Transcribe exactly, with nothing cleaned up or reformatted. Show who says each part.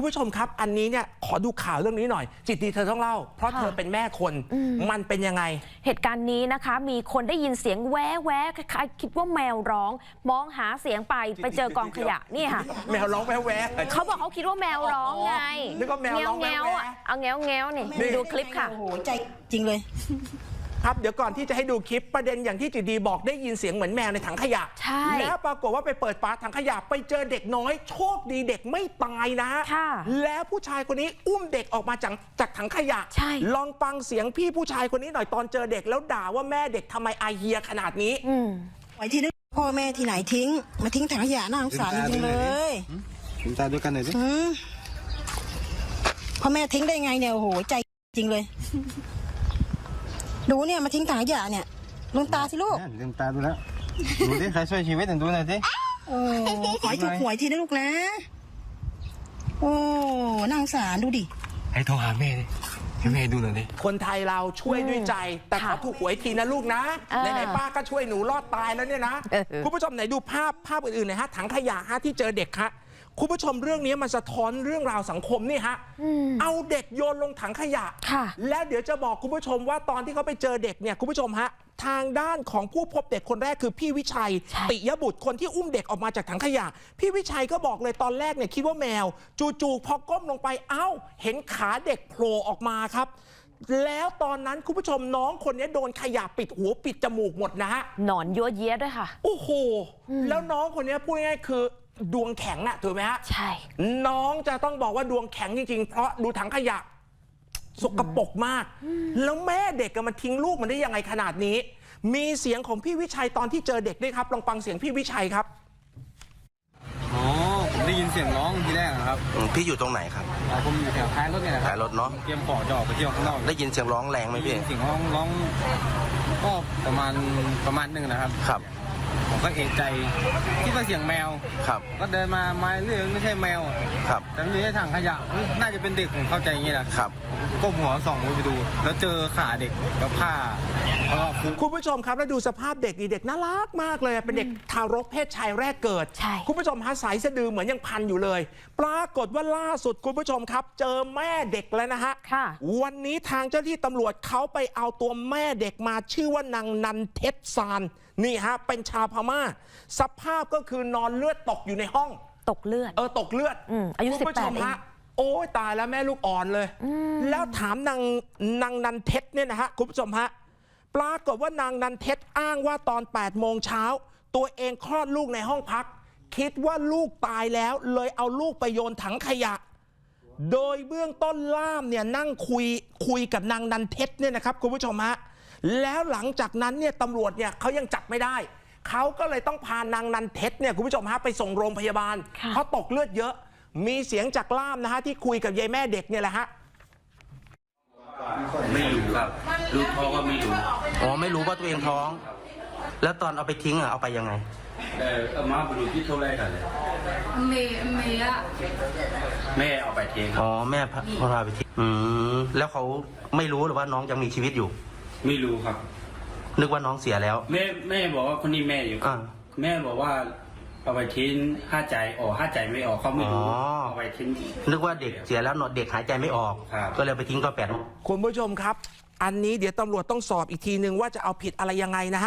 Speaker 1: คุณผู้ชมครับอันนี้เนี่ยขอดูข่าวเรื่องนี้หน่อยจิตดีเธอต้องเล่าเพราะเธอเป็นแม่คนมันเป็นยังไง
Speaker 2: เหตุการณ์นี้นะคะมีคนได้ยินเสียงแวะแวะคล้ายๆคิดว่าแมวร้องมองหาเสียงไปไปเจอกองขยะนี่ค่ะ
Speaker 1: แมวร้องแวะแวะ
Speaker 2: เขาบอกเขาคิดว่าแมวร้องไง
Speaker 1: นึกว่าแมวร้องแวะแวะ
Speaker 2: เอาแงวแงวนี่ดูคลิปค่ะ
Speaker 3: โอ้โหใจจริงเลย
Speaker 1: ครับเดี๋ยวก่อนที่จะให้ดูคลิปประเด็นอย่างที่จิตดีบอกได้ยินเสียงเหมือนแมวในถังขยะแล้วปรากฏว่าไปเปิดฝาถังขยะไปเจอเด็กน้อยโชคดีเด็กไม่ตายนะแล้วผู้ชายคนนี้อุ้มเด็กออกมาจากจากถังขยะลองฟังเสียงพี่ผู้ชายคนนี้หน่อยตอนเจอเด็กแล้วด่าว่าแม่เด็กทำไมอาเฮียขนาดนี้
Speaker 3: ไว้ที่นึกพ่อแม่ที่ไหนทิ้งมาทิ้งถังขยะน่าสงสารจริงเลย
Speaker 4: ลืมตาด้วยกันหน่อยสิ
Speaker 3: พ่อแม่ทิ้งได้ไงเนี่ยโอ้โหใจจริงเลยดูเนี่ยมาทิ้งถังขยะเนี่ยลืมตาสิลูก
Speaker 4: ลืมตาดูแล้วดูดิใครช่วยชีวิตดูหน่อยสิ
Speaker 3: โอ้ขอให้ถูกหวยทีนะลูกนะโอ้น่าสงสารดูดิ
Speaker 4: ให้โทรหาแม่ดิให้แม่ดูหน่อยดิ
Speaker 1: คนไทยเราช่วยด้วยใจแต่ขอถูกหวยทีนะลูกนะไหนๆป้าก็ช่วยหนูรอดตายแล้วเนี่ยนะคุณผู้ชมไหนดูภาพภาพอื่นๆหน่อยฮะถังขยะฮะที่เจอเด็กฮะคุณผู้ชมเรื่องนี้มันสะท้อนเรื่องราวสังคมนี่ฮะเอาเด็กโยนลงถังขยะแล้วเดี๋ยวจะบอกคุณผู้ชมว่าตอนที่เขาไปเจอเด็กเนี่ยคุณผู้ชมฮะทางด้านของผู้พบเด็กคนแรกคือพี่วิชัยติยบุตรคนที่อุ้มเด็กออกมาจากถังขยะพี่วิชัยก็บอกเลยตอนแรกเนี่ยคิดว่าแมวจู่ๆพอก้มลงไปเอ้าเห็นขาเด็กโผล่ออกมาครับแล้วตอนนั้นคุณผู้ชมน้องคนนี้โดนขยะปิดหัวปิดจมูกหมดนะฮะ
Speaker 2: หนอนยั่วเย้ยด้วยค่ะ
Speaker 1: โอ้โหแล้วน้องคนนี้พูดง่ายๆคือดวงแข็งอะถูกไหมฮะ
Speaker 2: ใช่
Speaker 1: น้องจะต้องบอกว่าดวงแข็งจริงๆเพราะดูถังขยะสกปรกมากแล้วแม่เด็กมันทิ้งลูกมันได้ยังไงขนาดนี้มีเสียงของพี่วิชัยตอนที่เจอเด็กด้วยครับลองฟังเสียงพี่วิชัยครับ
Speaker 4: อ๋อผมได้ยินเสียงร้องทีแรกครับ
Speaker 5: พี่อยู่ตรงไหนครับ
Speaker 4: ผมอยู่แถวท้ายรถเนี่ยนะครับ
Speaker 5: ท้ายรถเนาะ
Speaker 4: เตรียมของจะออกไปเที่ยวข้างนอก
Speaker 5: ได้ยินเสียงร้องแรงไหมพี่
Speaker 4: เสียงร้องร้องก็ประมาณประมาณหนึ่งนะครับ
Speaker 5: ครับ
Speaker 4: ผมก็เอกใจคิดว่าเสียงแมว
Speaker 5: ครับ
Speaker 4: ก็เดินมาไม้เรื่องไม่ใช่แมว
Speaker 5: ครับ
Speaker 4: แต่ไม่ใช่ถังขยะน่าจะเป็นเด็กผมเข้าใจอย่างนี้แหละ
Speaker 5: ครับ
Speaker 4: ก็หัวส่องไปดูแล้วเจอขาเด็กกับผ้า
Speaker 1: คุณผู้ชมครับแล้วดูสภาพเด็กดีเด็กน่ารักมากเลยเป็นเด็กทารกเพศชายแรกเกิดคุณผู้ชมฮะสายสะดือเหมือนยังพันอยู่เลยปรากฏว่าล่าสุดคุณผู้ชมครับเจอแม่เด็กแล้วนะฮะวันนี้ทางเจ้าที่ตำรวจเขาไปเอาตัวแม่เด็กมาชื่อว่านางนันเทศซานนี่ฮะเป็นชาวพม่าสภาพก็คือนอนเลือดตกอยู่ในห้อง
Speaker 2: ตกเลือด
Speaker 1: เออตกเลือด
Speaker 2: อายุสิบแปดเอง
Speaker 1: โอ้ยตายแล้วแม่ลูกอ่อนเลยแล้วถามนางนางนันเทศเนี่ยนะฮะคุณผู้ชมฮะปรากฏว่านางนันเทศอ้างว่าตอนแปดโมงเช้าตัวเองคลอดลูกในห้องพักคิดว่าลูกตายแล้วเลยเอาลูกไปโยนถังขยะโดยเบื้องต้นล่ามเนี่ยนั่งคุยคุยกับนางนันเทศเนี่ยนะครับคุณผู้ชมฮะแล้วหลังจากนั้นเนี่ยตำรวจเนี่ยเขายังจับไม่ได้เขาก็เลยต้องพานางนันเทศเนี่ยคุณผู้ชมฮะไปส่งโรงพยาบาลเพราะตกเลือดเยอะมีเสียงจากล่ามนะฮะที่คุยกับยายแม่เด็กเนี่ยแหละฮะ
Speaker 5: ไม่รู้ครับรู้ท้องว่าไม่รู้อ๋อไม่รู้ว่าตัวเองท้องแล้วตอนเอาไปทิ้งอ่ะเอาไปยังไง
Speaker 6: เออเอามาไปดูที่เท่าไรกันเลย
Speaker 7: เมย์เมย์อะ
Speaker 6: แม่เอาไปทิ้ง
Speaker 5: อ๋อแม่พาไปทิ้งอืมแล้วเขาไม่รู้หรือว่าน้องยังมีชีวิตอยู่
Speaker 6: ไม่รู้ครับ
Speaker 5: นึกว่าน้องเสียแล้ว
Speaker 6: แม่แม่บอกว่าคนนี้แม่อยู่
Speaker 5: อ่า
Speaker 6: แม่บอกว่าเอาไปทิ้งห้าใจออกห้าใจไม่ออกเขาไม่รู้เอาไปทิ้ง
Speaker 5: นึกว่าเด็กเสียแล้วเด็กหายใจไม่ออกก็เลยไปทิ้งก็แปด
Speaker 1: คุณผู้ชมครับอันนี้เดี๋ยวตำรวจต้องสอบอีกทีนึงว่าจะเอาผิดอะไรยังไงนะฮะ